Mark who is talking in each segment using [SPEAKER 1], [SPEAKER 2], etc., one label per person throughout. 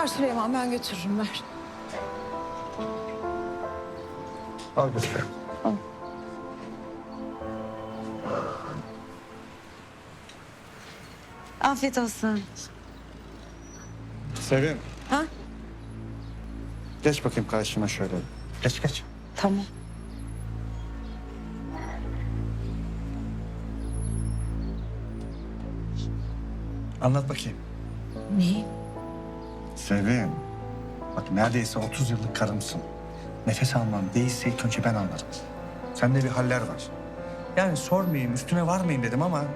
[SPEAKER 1] Ver Süleyman, ben götürürüm, ver.
[SPEAKER 2] Al götür.
[SPEAKER 1] Al. Afiyet olsun.
[SPEAKER 2] Sevim.
[SPEAKER 1] Ha?
[SPEAKER 2] Geç bakayım karşıma şöyle. Geç geç.
[SPEAKER 1] Tamam.
[SPEAKER 2] Anlat bakayım.
[SPEAKER 1] Ne?
[SPEAKER 2] Sevim. Bak neredeyse 30 yıllık karımsın. Nefes almam değilse ilk önce ben anlarım. Sende bir haller var. Yani sormayayım, üstüne varmayayım dedim ama...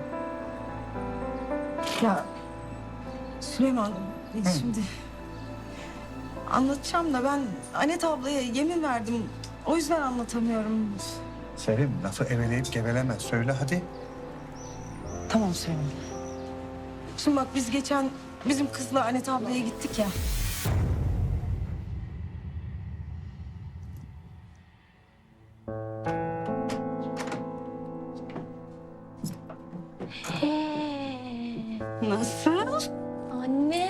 [SPEAKER 1] Ya Süleyman, şimdi anlatacağım da ben Anet ablaya yemin verdim. O yüzden anlatamıyorum.
[SPEAKER 2] Sevim, lafı eveleyip geveleme. Söyle hadi.
[SPEAKER 1] Tamam Süleyman. Şimdi bak biz geçen bizim kızla Anet ablaya gittik ya. Nasıl?
[SPEAKER 3] Anne.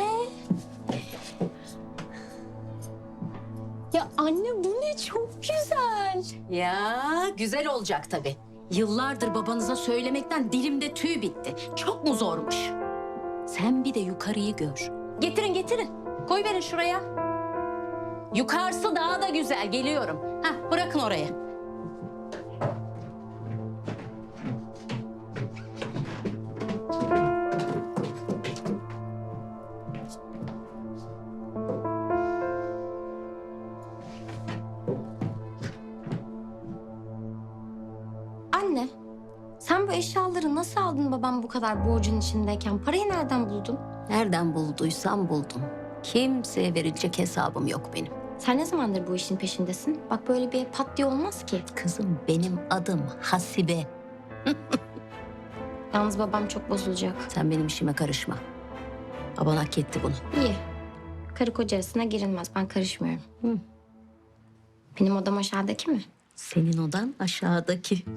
[SPEAKER 3] Ya anne bu ne çok güzel.
[SPEAKER 4] Ya güzel olacak tabii. Yıllardır babanıza söylemekten dilimde tüy bitti. Çok mu zormuş? Sen bir de yukarıyı gör. Getirin getirin. Koy verin şuraya. Yukarısı daha da güzel. Geliyorum. Hah bırakın oraya.
[SPEAKER 3] Anne, sen bu eşyaları nasıl aldın babam bu kadar borcun içindeyken? Parayı nereden buldun?
[SPEAKER 4] Nereden bulduysam buldum. Kimseye verilecek hesabım yok benim.
[SPEAKER 3] Sen ne zamandır bu işin peşindesin? Bak böyle bir pat diye olmaz ki.
[SPEAKER 4] Kızım benim adım Hasibe.
[SPEAKER 3] Yalnız babam çok bozulacak.
[SPEAKER 4] Sen benim işime karışma. Baban hak etti bunu.
[SPEAKER 3] İyi. Karı koca arasına girilmez. Ben karışmıyorum.
[SPEAKER 4] Hı.
[SPEAKER 3] Benim odam aşağıdaki mi?
[SPEAKER 4] Senin odan aşağıdaki.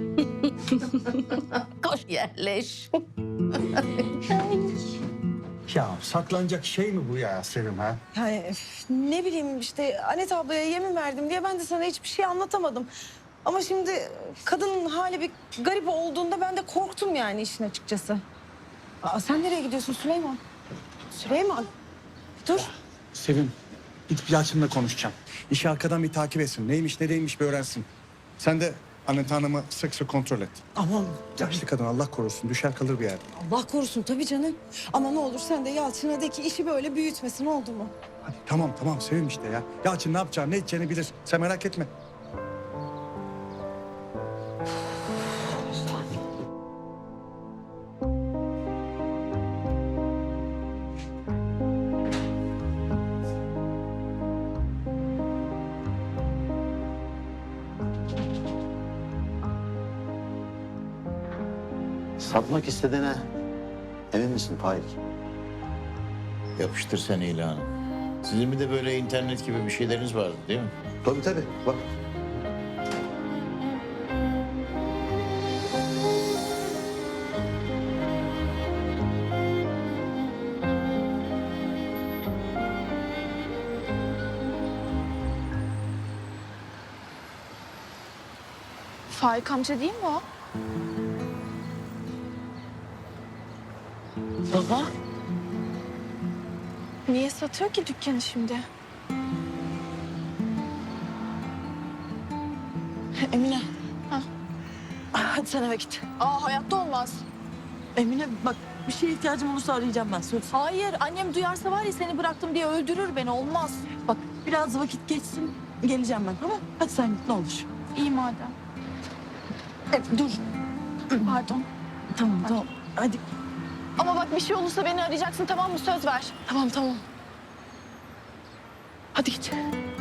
[SPEAKER 4] Koş yerleş.
[SPEAKER 2] Ya saklanacak şey mi bu ya Sevim ha?
[SPEAKER 1] Yani ne bileyim işte Anet ablaya yemin verdim diye ben de sana hiçbir şey anlatamadım. Ama şimdi kadının hali bir garip olduğunda ben de korktum yani işin açıkçası. Aa, sen nereye gidiyorsun Süleyman? Süleyman, dur.
[SPEAKER 2] Sevim, gidip Yalçın'la konuşacağım. İşi arkadan bir takip etsin. Neymiş ne değilmiş bir öğrensin. Sen de Anet Hanım'ı sık sık kontrol et.
[SPEAKER 1] Aman
[SPEAKER 2] Yaşlı kadın Allah korusun düşer kalır bir yerde.
[SPEAKER 1] Allah korusun tabii canım. Ama ne olur sen de Yalçın'a de ki işi böyle büyütmesin, oldu mu?
[SPEAKER 2] Hadi tamam Sevim işte ya. Yalçın ne yapacağını ne edeceğini bilir. Sen merak etme.
[SPEAKER 5] Satmak istediğine emin misin Faik?
[SPEAKER 6] Yapıştır sen ilanı. Sizin bir de böyle internet gibi bir şeyleriniz vardı değil mi?
[SPEAKER 5] Tabii bak.
[SPEAKER 7] Faik amca değil mi o?
[SPEAKER 1] Baba.
[SPEAKER 7] Niye satıyor ki dükkanı şimdi?
[SPEAKER 1] Emine.
[SPEAKER 7] Ha.
[SPEAKER 1] Hadi sen eve git.
[SPEAKER 7] Aa hayatta olmaz.
[SPEAKER 1] Emine bak bir şeye ihtiyacım olursa arayacağım ben, söz.
[SPEAKER 7] Hayır annem duyarsa var ya seni bıraktım diye öldürür beni, olmaz.
[SPEAKER 1] Bak biraz vakit geçsin, geleceğim ben, tamam? Hadi sen git ne olur.
[SPEAKER 7] İyi madem.
[SPEAKER 1] Dur.
[SPEAKER 7] Pardon.
[SPEAKER 1] Tamam. Hadi.
[SPEAKER 7] Ama bak bir şey olursa beni arayacaksın, tamam mı? Söz ver.
[SPEAKER 1] Tamam.
[SPEAKER 7] Hadi git.